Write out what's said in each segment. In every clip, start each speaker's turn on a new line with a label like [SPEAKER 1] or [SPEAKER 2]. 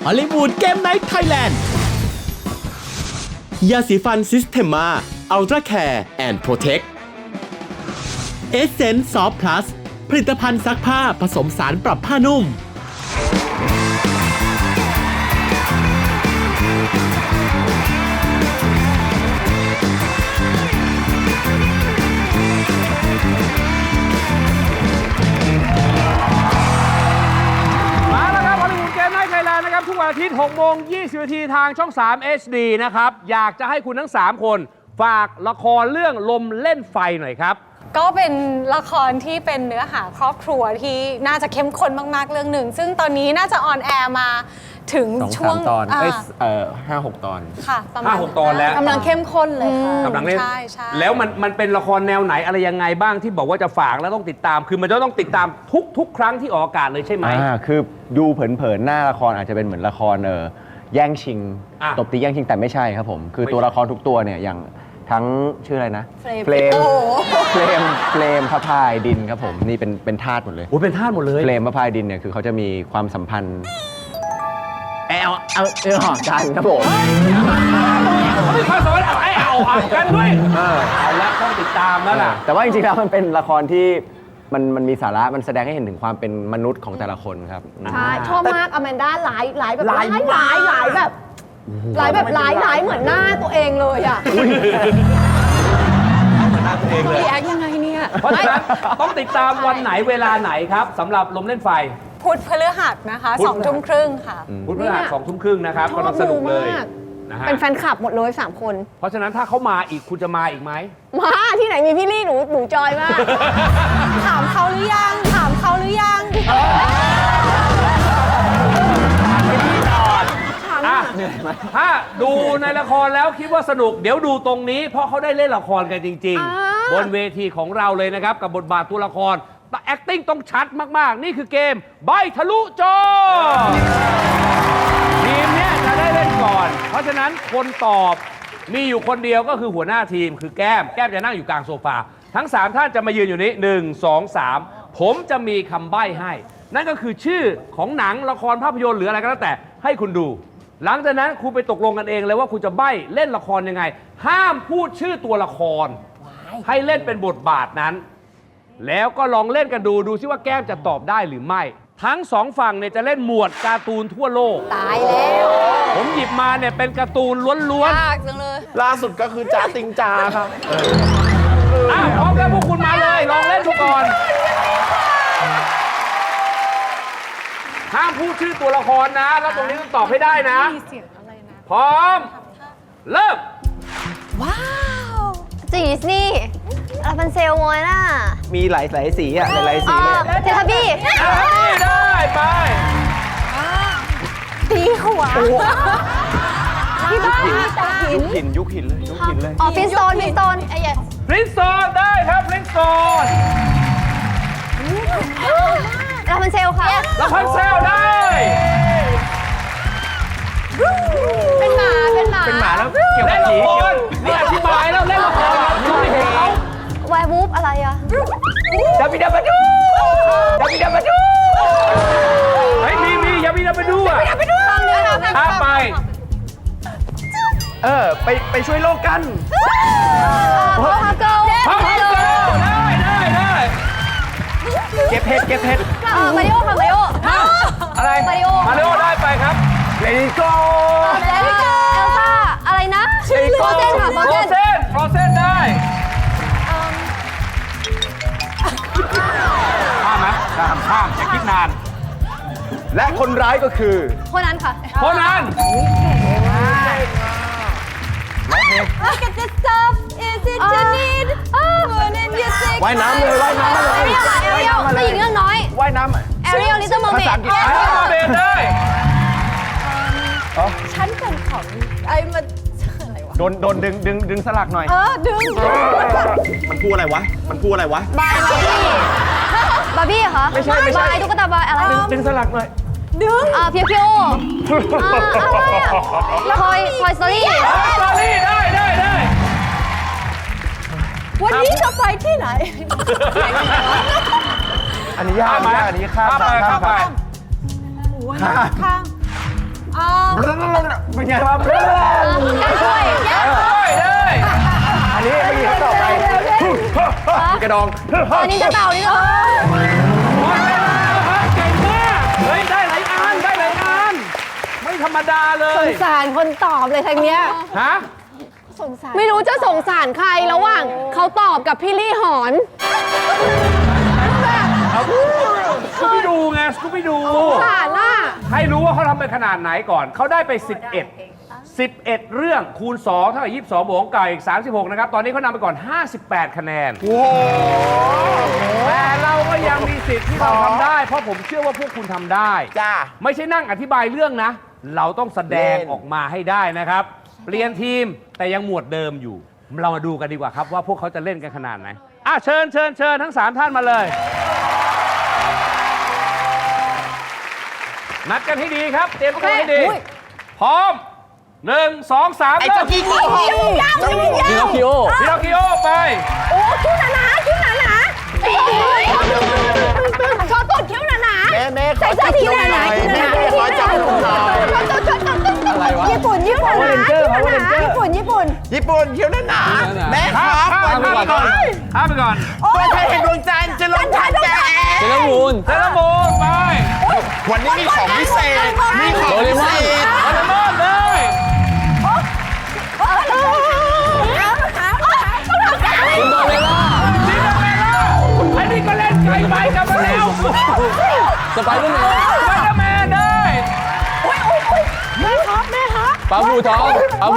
[SPEAKER 1] ฮอลลีวูดเกมไนท์ไทยแลนด์ยาสีฟันซิสเทมาอัลตร้าแคร์แอนด์โปรเทคเอเซนส์ซอฟพลัสผลิตภัณฑ์ซักผ้าผสมสารปรับผ้านุ่ม
[SPEAKER 2] นะครับทุกวันอาทิตย์6 โมง 20 นาทีทางช่อง 3 HD นะครับอยากจะให้คุณทั้ง 3 คนฝากละครเรื่องลมเล่นไฟหน่อยครับ
[SPEAKER 3] ก็เป็นละครที่เป็นเนื้อหาครอบครัวที่น่าจะเข้มข้นมากๆเรื่องหนึ่งซึ่งตอนนี้น่าจะออนแอร์มาถึงช่วง
[SPEAKER 4] ตอน5-6 ตอน
[SPEAKER 3] ค่ะประมาณ
[SPEAKER 2] 5-6 ตอนแล้ว
[SPEAKER 3] กำลังเข้มข้นเลยค่ะ
[SPEAKER 2] กำลังเล่น
[SPEAKER 3] ใช่
[SPEAKER 2] แล้วมันเป็นละครแนวไหนอะไรยังไงบ้างที่บอกว่าจะฝากแล้วต้องติดตามคือมันจะต้องติดตามทุกครั้งที่ออกอากาศเลยใช่ไหม
[SPEAKER 4] คือดูเผินๆหน้าละครอาจจะเป็นเหมือนละครแย่งชิงตบตีแย่งชิงแต่ไม่ใช่ครับผมคือตัวละครทุกตัวเนี่ยอย่างทั้งชื่ออะไรนะเฟรมพระพายดินครับผมนี่เป็นธาตุหมดเลย
[SPEAKER 2] โอ้เป็นธาตุหมดเลย
[SPEAKER 4] เฟรมพระพายดินเนี่ยคือเขาจะมีความสัมพันธ์กันครับผม
[SPEAKER 2] เขามีความสัมพันธ์กันด้วยเอาละต้องติดตามแล้วล่ะ
[SPEAKER 4] แต่ว่าจริงๆแล้วมันเป็นละครที่มันมีสาระมันแสดงให้เห็นถึงความเป็นมนุษย์ของแต่ละคนครับ
[SPEAKER 5] ใช่ชอบมากอแมนด้าหลายแบบหลายเหมือนหน้าตัวเองเลยอ่ะ
[SPEAKER 2] เหมือนหน้าตัวเองเลย
[SPEAKER 3] แอคยังไงเนี่ย
[SPEAKER 2] เพราะฉะนั้นต้องติดตามวันไหนเวลาไหนครับสำหรับลมเล่นไฟ
[SPEAKER 3] พุธพฤหัสนะคะ2 ทุ่มครึ่งค่ะ
[SPEAKER 2] พุธพฤหัส2 ทุ่มครึ่งนะครับกำลังสนุกเลย
[SPEAKER 5] เป็นแฟนคลับหมดเลย3 คน
[SPEAKER 2] เพราะฉะนั้นถ้าเขามาอีกคุณจะมาอีกไหม
[SPEAKER 5] มาที่ไหนมีพี่ลี่หนูจอยมาก
[SPEAKER 3] ถามเขาหรือยัง
[SPEAKER 2] ถ้าดูในละครแล้วคิดว่าสนุกเดี๋ยวดูตรงนี้เพราะเขาได้เล่นละครกันจริงๆบนเวทีของเราเลยนะครับกับบทบาทตัวละครแต่ acting ต้องชัดมากๆนี่คือเกมใบทะลุจอทีมนี้จะได้เล่นก่อนเพราะฉะนั้นคนตอบมีอยู่คนเดียวก็คือหัวหน้าทีมคือแก้มจะนั่งอยู่กลางโซฟาทั้ง3ท่านจะมายืนอยู่นี้1 2 3ผมจะมีคำใบ้ให้นั่นก็คือชื่อของหนังละครภาพยนตร์หรืออะไรก็แล้วแต่ให้คุณดูหลังจากนั้นคุณไปตกลงกันเองเลยว่าคุณจะใบ้เล่นละครยังไงห้ามพูดชื่อตัวละครให้เล่นเป็นบทบาทนั้นแล้วก็ลองเล่นกันดูซิว่าแก้มจะตอบได้หรือไม่ทั้ง2ฝั่งเนี่ยจะเล่นหมวดการ์ตูนทั่วโลก
[SPEAKER 3] ตายแล้ว
[SPEAKER 2] ผมหยิบมาเนี่ยเป็นการ์ตูนล้วน
[SPEAKER 3] ๆยากจังเลย
[SPEAKER 4] ล่าสุดก็คือจ๋าติงจาครับ
[SPEAKER 2] พร้อมแล้วพวกคุณมาเลยลองเล่นดูก่อนห้ามพูดชื่อตัวละครนะแล้วตรงนี้ต้องตอบให้ได้นะพร้อมเริ่ม
[SPEAKER 5] ว้าวดิสนีย์ราพันเซลโมน่า
[SPEAKER 4] มีหลายสีอ่ะหลายสีเลย
[SPEAKER 5] เททับบี้
[SPEAKER 2] ได้ไป
[SPEAKER 5] ตีหัวที่บ้าน
[SPEAKER 4] ยุคหินเลย
[SPEAKER 5] อ๋อฟินสโตน
[SPEAKER 2] พรินซ์โซนได้ครับพรินซ์โซน
[SPEAKER 5] ราพันเซลค่ะ
[SPEAKER 2] ราพันเซลได้
[SPEAKER 5] เป็นหมา
[SPEAKER 4] แล้วเกี่ยวกับผี
[SPEAKER 2] นี่อธิบายแล้วเล่นละครคุณไม่เห็นเขา
[SPEAKER 5] แวร์วูฟอะไรอะ
[SPEAKER 2] ยาบิดาบาดูเฮ้ยมียาบิดาบาดูอ่ะถ้าไป
[SPEAKER 4] ไปช่วยโลกกัน
[SPEAKER 5] พาวฮักเกิล
[SPEAKER 2] ได้เก็บเห็ด
[SPEAKER 5] มาริโอค่ะมาริโอ
[SPEAKER 2] อะไรมาริโอได้ไปครับเลดี้โก
[SPEAKER 5] เอลซ่าอะไรนะโฟเซนค่ะโฟ
[SPEAKER 2] เซนได้ข้ามอย่าคิดนาน
[SPEAKER 4] และคนร้ายก็คือ
[SPEAKER 5] คนนั้นค่ะ
[SPEAKER 2] คนนั้น
[SPEAKER 5] Look at this stuff is it you need
[SPEAKER 4] ว่ายน้ำเลย
[SPEAKER 5] เอเรียลผู้หญิงเรื่องน้อย
[SPEAKER 4] ว่ายน้
[SPEAKER 5] ำเอเรียลลิตเติ้ลเมอร์เมด
[SPEAKER 2] ได้
[SPEAKER 3] ฉันเป็นของไอ้มันอะไรวะ
[SPEAKER 4] โดนดึงสลักหน่อย
[SPEAKER 3] ดึง
[SPEAKER 4] มันพูดอะไรวะ
[SPEAKER 5] บาร์บี้เหรอ
[SPEAKER 4] ไม่ใช่
[SPEAKER 5] บายตุ๊กตาบายอะไร
[SPEAKER 4] ดึงสลักหน่อย
[SPEAKER 3] ดึง
[SPEAKER 5] เพียวอะไรอะคอยสตอรี่
[SPEAKER 2] ได้
[SPEAKER 3] วันนี้จะไปที่ไหน
[SPEAKER 4] อันนี้ยากอันนี้ข้ามไป
[SPEAKER 3] ข้าม
[SPEAKER 4] เป็นไงครับ
[SPEAKER 5] การช่วย
[SPEAKER 2] ได้
[SPEAKER 4] อันนี้ไม่มีเขาตอบไปกระดอง
[SPEAKER 5] นี่จะเต่านี่เหรอ
[SPEAKER 2] หมดเวลาแล้วครับเก่งมากเฮ้ยได้หลายอันได้หลายอันไม่ธรรมดาเล
[SPEAKER 6] ส
[SPEAKER 2] ย
[SPEAKER 6] งสารคนตอบเลยทางเนี้ย
[SPEAKER 2] ฮะ
[SPEAKER 6] ไม่รู้จะสงสารใครระหว่างเขาตอบกับพี่ลี่หอน
[SPEAKER 2] สกูบี้ดูไงสกูบี้ดู
[SPEAKER 6] สงสารน่ะ
[SPEAKER 2] ให้รู้ว่าเขาทำไปขนาดไหนก่อน เขาได้ไป 11 เรื่องคูณ 2 เท่ากับ22บวกของเก่าอีก 36 นะครับ ตอนนี้เขานำไปก่อน 58 คะแนน แต่เราก็ยังมีสิทธิ์ที่เราทำได้ เพราะผมเชื่อว่าพวกคุณทำได้
[SPEAKER 7] จ้า
[SPEAKER 2] ไม่ใช่นั่งอธิบายเรื่องนะ เราต้องแสดงออกมาให้ได้นะครับ เปลี่ยนทีมแต่ยังหมวดเดิมอยู่ เรามาดูกันดีกว่าครับว่าพวกเขาจะเล่นกันขนาดไหนเชิญทั้ง 3 ท่านมาเลย นัดกันให้ดีครับ เตรียมตัวให้ดี พร้อม 1 2 3
[SPEAKER 7] ไอ้
[SPEAKER 2] เริ่
[SPEAKER 7] เจ้าม กี้โง่
[SPEAKER 4] พินอคคิโอ
[SPEAKER 2] พินอคคิโอไป
[SPEAKER 6] โอ้คิ้วหนาๆคิ้วหนาๆชอตดคิ้วหนา
[SPEAKER 7] แม่
[SPEAKER 6] ๆใส่เสื้อสีหนาๆ
[SPEAKER 7] แม่ขอจับผมหน่อย
[SPEAKER 4] อะไรวะ
[SPEAKER 6] ญี่ปุ่นคิ้วหนาๆญี่ปุ่น
[SPEAKER 7] ญี่ปุ่นเขียวหนาแม่ครับ
[SPEAKER 2] ข้ามไปก่อนข้ามไปก่อน
[SPEAKER 7] ตัวเธอเห็นดวงจันทร์จะลงทันแก
[SPEAKER 4] เซเลอร์มูน
[SPEAKER 2] เซเลโมนไป
[SPEAKER 7] วันนี้มีของพิเศษ มีของพิเศษ
[SPEAKER 2] เซเลโมนเลย
[SPEAKER 4] ซินโดเรลล่า
[SPEAKER 2] ซินเดอเรลล่าไอ้นี่ก็เล่นไกลไปกลับมาแล้ว
[SPEAKER 4] สไปเดอร์แมน
[SPEAKER 2] สไปเดอร์แมนได้
[SPEAKER 4] ปลาบูทอง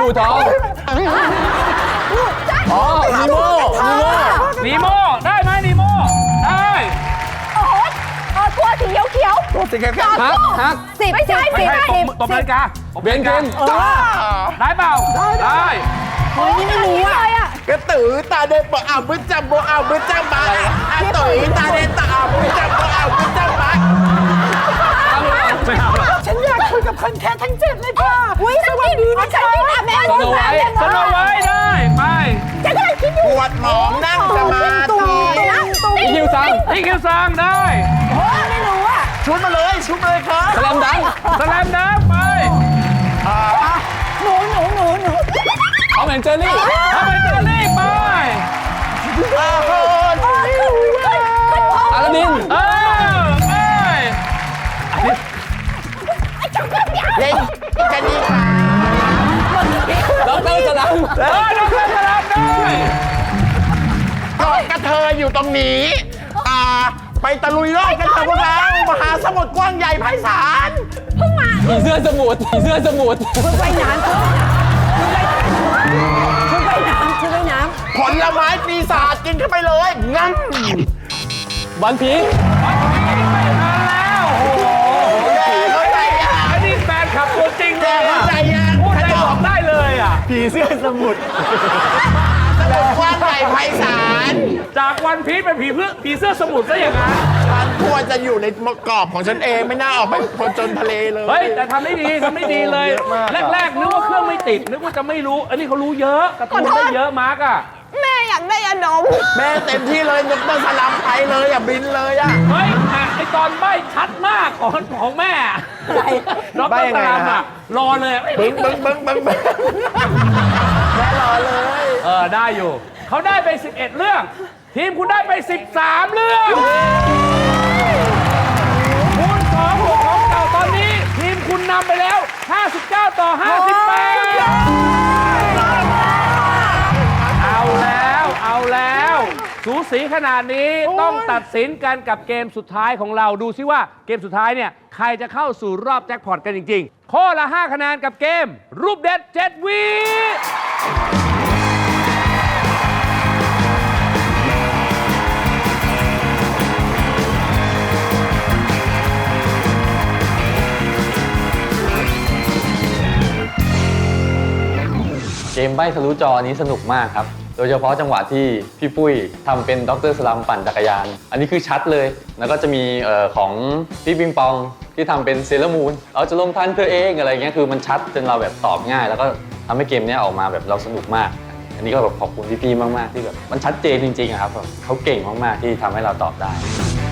[SPEAKER 4] อ๋อนีโม่
[SPEAKER 2] นีโมได้ไหมนีโมได้
[SPEAKER 6] ตัวสีเขียว
[SPEAKER 4] ฮัก
[SPEAKER 6] ๆ10ไม่ใช่
[SPEAKER 2] ไม่ใช่ตบนาฬิกา
[SPEAKER 4] เบนเทน
[SPEAKER 2] ได้เปล่าได้
[SPEAKER 6] นี่ไม่รู้อ่ะ
[SPEAKER 7] กระตือตาเดินปะอ่าวบึ้จับโบอ่าวบึ้จับมาอ่ะตุ๋ยตาเดินตาอ่าวบึ้จับโบอ่าวบึ้จับมา
[SPEAKER 2] ไม่เอาหรอก
[SPEAKER 7] ฉันอยากคุยกับคนแค่ทั้ง7เลยค่ะ
[SPEAKER 6] อุ้ยสวัสดีนะฉันที่แม่
[SPEAKER 2] สโนไว้ได้ไป
[SPEAKER 6] ฉันกำลังคิดอยู่
[SPEAKER 7] ปวดหมองนั่งสมาธิ
[SPEAKER 4] อีคิวซัง
[SPEAKER 2] พี่คิวซังได้
[SPEAKER 6] ไม่รู้อ่ะ
[SPEAKER 7] ชุดมาเลยครับ
[SPEAKER 4] สแลมดัง
[SPEAKER 2] สแลมดังไป
[SPEAKER 6] หนู
[SPEAKER 4] ทอมแอนเจอรี่
[SPEAKER 2] ทำไมเจอรี่ไป
[SPEAKER 4] อาลาดิน
[SPEAKER 2] ไป
[SPEAKER 7] เล่นกันดีค่ะ
[SPEAKER 4] ดอกเตอร์สลัม
[SPEAKER 2] น้องเล่นสลับได้
[SPEAKER 7] กอดกระเทยอยู่ตรงนี้ ไปตะลุยโลกกันเถอะพวกเรามหาสมุทรกว้างใหญ่ไพศาล
[SPEAKER 4] ผีเสื้อสมุทร
[SPEAKER 6] ชุดว่ายน้ำ
[SPEAKER 7] ผลไม้ปีศาจกินเข้าไปเลยงั้น
[SPEAKER 4] วันพีช
[SPEAKER 2] ไม่ทันแล้วโอ้โห
[SPEAKER 7] แกเข้าใจยัง
[SPEAKER 2] อันนี้แฟนคลับตัวจริงเล
[SPEAKER 7] แก
[SPEAKER 2] ย
[SPEAKER 7] เข้าใจยัง
[SPEAKER 2] พูดได้บอกได้เลยอ่ะ
[SPEAKER 4] ผีเสื้อสมุทร
[SPEAKER 7] สมุทรกว้างใหญ่ไพศาล
[SPEAKER 2] จากวันพีชเป็นผีเสื้อสมุทรซะอย่างนั้น
[SPEAKER 7] ฉันควรจะอยู่ในกรอบของฉันเองไม่น่าออกไปผจญทะเลเลย
[SPEAKER 2] เฮ้ย แต่ทำได้ดีเลย แรกๆนึกว่าเครื่องไม่ติด นึกว่าจะไม่รู้ อันนี้เขารู้เยอะการ์ตูนได้เยอะมาร์กอ่ะ
[SPEAKER 6] แม่อยากได้ยาดม
[SPEAKER 7] แม่เต็มที่เลยยกต้นสลัมไปเลยบินเลยอ่ะ
[SPEAKER 2] เฮ้ยไอตอนใบ้ชัดมากของแม่ดรสลามอ่ะรอเลย
[SPEAKER 7] บึ้งแม่รอเลย
[SPEAKER 2] ได้อยู่ เขาได้ไป 11 เรื่อง ทีมคุณได้ไป 13 เรื่องคูณ2บวกของเก่าตอนนี้ ทีมคุณนำไปแล้ว 59 ต่อ 58 เอาแล้ว สูสีขนาดนี้ต้องตัดสินกันกับเกมสุดท้ายของเราดูซิว่าเกมสุดท้ายเนี่ย ใครจะเข้าสู่รอบแจ็คพอตกันจริงๆ ข้อละ 5 คะแนนกับเกม รูปเด็ด 7 วิ
[SPEAKER 8] เกมใบ้ทะลุจอนี้สนุกมากครับ โดยเฉพาะจังหวะที่พี่ปุ้ยทำเป็นดรสลัมปั่นจักรยาน อันนี้คือชัดเลย แล้วก็จะมีของพี่ปิงปองที่ทำเป็นเซเลอร์มูนเราจะลงทันเธอเองอะไรเงี้ย คือมันชัดจนเราแบบตอบง่าย แล้วก็ทำให้เกมนี้ออกมาแบบเราสนุกมาก อันนี้ก็แบบขอบคุณพี่ๆมากๆที่แบบมันชัดเจนจริงๆอะครับแบบเขาเก่งมากๆที่ทำให้เราตอบได้